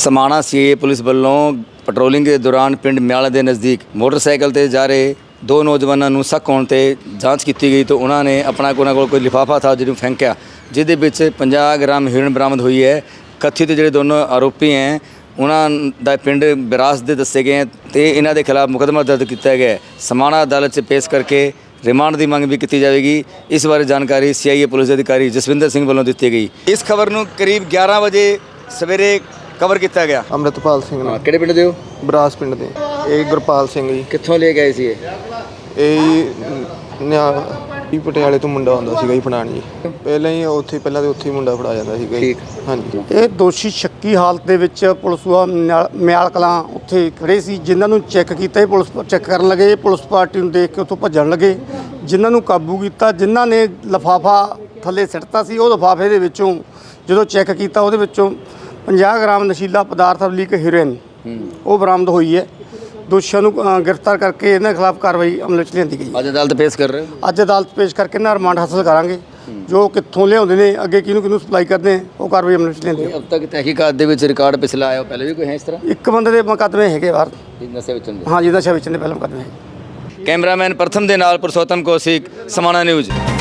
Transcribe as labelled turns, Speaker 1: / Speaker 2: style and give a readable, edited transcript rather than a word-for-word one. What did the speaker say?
Speaker 1: समाणा सीए पुलिस ਵੱਲੋਂ ਪੈਟਰੋਲਿੰਗ ਦੇ ਦੌਰਾਨ ਪਿੰਡ ਮਿਆਲਾ ਦੇ ਨਜ਼ਦੀਕ ਮੋਟਰਸਾਈਕਲ ਤੇ ਜਾ ਰਹੇ ਦੋ ਨੌਜਵਾਨਾਂ ਨੂੰ ਸ਼ੱਕ ਹੋਣ ਤੇ ਜਾਂਚ ਕੀਤੀ ਗਈ ਤਾਂ ਉਹਨਾਂ ਨੇ ਆਪਣਾ ਕੋਲ ਕੋਈ ਲਿਫਾਫਾ ਥਾ ਜਿਹਨੂੰ ਫੈਂਕਿਆ, ਜਿਹਦੇ ਵਿੱਚ 50 ਗ੍ਰਾਮ ਹੀਰੋਇਨ ਬਰਾਮਦ ਹੋਈ ਹੈ। ਕਥਿਤ ਜਿਹੜੇ ਦੋਨੋਂ ਆਰੋਪੀ ਹੈ ਉਹਨਾਂ ਦਾ ਪਿੰਡ ਬਿਰਾਸ ਦੇ ਦੱਸੇ ਗਏ ਤੇ ਇਹਨਾਂ ਦੇ ਖਿਲਾਫ ਮੁਕੱਦਮਾ ਦਰਜ ਕੀਤਾ ਗਿਆ ਹੈ। समाणा अदालत 'ਚ ਪੇਸ਼ ਕਰਕੇ रिमांड की मंग भी की जाएगी। इस बारे जानकारी CIA पुलिस अधिकारी जसविंदर सिंह वालों दी गई। इस खबर को करीब 11 बजे सवेरे कवर किया गया।
Speaker 2: ਅੰਮ੍ਰਿਤਪਾਲ ਸਿੰਘ ਨਾਲ
Speaker 1: किहड़े पिंड दे हो?
Speaker 2: ਬਰਾਸ ਪਿੰਡ ਦੇ ਇਹ ਗੁਰਪਾਲ ਸਿੰਘ ਜੀ।
Speaker 1: कित्थों ले गए सी
Speaker 2: ਇਹ ਪਟਿਆਲੇ ਤੋਂ ਮੁੰਡਾ ਆਉਂਦਾ ਸੀਗਾ ਜੀ ਫੜਾਣ ਜੀ। ਪਹਿਲਾਂ ਹੀ ਪਹਿਲਾਂ ਤੇ ਉੱਥੇ ਹੀ ਮੁੰਡਾ ਫੜਾ ਜਾਂਦਾ ਸੀਗਾ ਜੀ। ਹਾਂਜੀ
Speaker 3: ਇਹ ਦੋਸ਼ੀ ਸ਼ੱਕੀ ਹਾਲਤ ਦੇ ਵਿੱਚ ਪੁਲਿਸ ਮਿਆਲ ਕਲਾਂ ਉੱਥੇ ਖੜੇ ਸੀ, ਜਿਨ੍ਹਾਂ ਨੂੰ ਚੈੱਕ ਕੀਤਾ। ਇਹ ਪੁਲਿਸ ਚੈੱਕ ਕਰਨ ਲੱਗੇ, ਪੁਲਿਸ ਪਾਰਟੀ ਨੂੰ ਦੇਖ ਕੇ ਉੱਥੋਂ ਭੱਜਣ ਲੱਗੇ, ਜਿਨ੍ਹਾਂ ਨੂੰ ਕਾਬੂ ਕੀਤਾ। ਜਿਨ੍ਹਾਂ ਨੇ ਲਿਫਾਫਾ ਥੱਲੇ ਸਿੱਟਤਾ ਸੀ, ਉਹ ਲਿਫਾਫੇ ਦੇ ਵਿੱਚੋਂ ਜਦੋਂ ਚੈੱਕ ਕੀਤਾ ਉਹਦੇ ਵਿੱਚੋਂ 50 ਗ੍ਰਾਮ ਨਸ਼ੀਲਾ ਪਦਾਰਥ ਲੀਕ ਹੀਰੋਇਨ ਉਹ ਬਰਾਮਦ ਹੋਈ ਹੈ। ਦੋਸ਼ੀਆਂ ਨੂੰ ਗ੍ਰਿਫਤਾਰ ਕਰਕੇ ਇਹਨਾਂ ਖਿਲਾਫ ਕਾਰਵਾਈ ਅਮਲ ਵਿੱਚ ਲਿਆਂਦੀ ਗਈ।
Speaker 1: ਅੱਜ ਅਦਾਲਤ ਪੇਸ਼ ਕਰ ਰਹੇ ਹੋ?
Speaker 3: ਅੱਜ ਅਦਾਲਤ ਪੇਸ਼ ਕਰਕੇ ਇਹਨਾਂ ਰਿਮਾਂਡ ਹਾਸਲ ਕਰਾਂਗੇ। ਜੋ ਕਿੱਥੋਂ ਲਿਆਉਂਦੇ ਨੇ, ਅੱਗੇ ਕਿਹਨੂੰ ਸਪਲਾਈ ਕਰਦੇ ਨੇ, ਉਹ ਕਾਰਵਾਈ ਅਮਲ ਵਿੱਚ ਲਿਆਂਦੀ।
Speaker 1: अब तक तहकीकात ਦੇ ਵਿੱਚ ਰਿਕਾਰਡ ਪਿਛਲਾ ਆਇਆ ਪਹਿਲੇ ਵੀ ਕੋਈ ਹੈ ਇਸ ਤਰ੍ਹਾਂ?
Speaker 3: ਇੱਕ ਬੰਦੇ ਦੇ ਮੁਕੱਦਮੇ ਹੈਗੇ ਬਾਹਰ।
Speaker 1: ਨਸ਼ੇ ਵਿੱਚ
Speaker 3: ਹਾਂਜੀ, ਨਸ਼ਾ ਵੇਚਣ ਦੇ ਪਹਿਲਾਂ ਮੁਕੱਦਮੇ ਹੈ।
Speaker 1: ਕੈਮਰਾਮੈਨ ਪ੍ਰਥਮ ਦੇ ਨਾਲ ਪੁਰਸ਼ੋਤਮ ਕੌਸ਼ਿਕ, समाणा न्यूज़।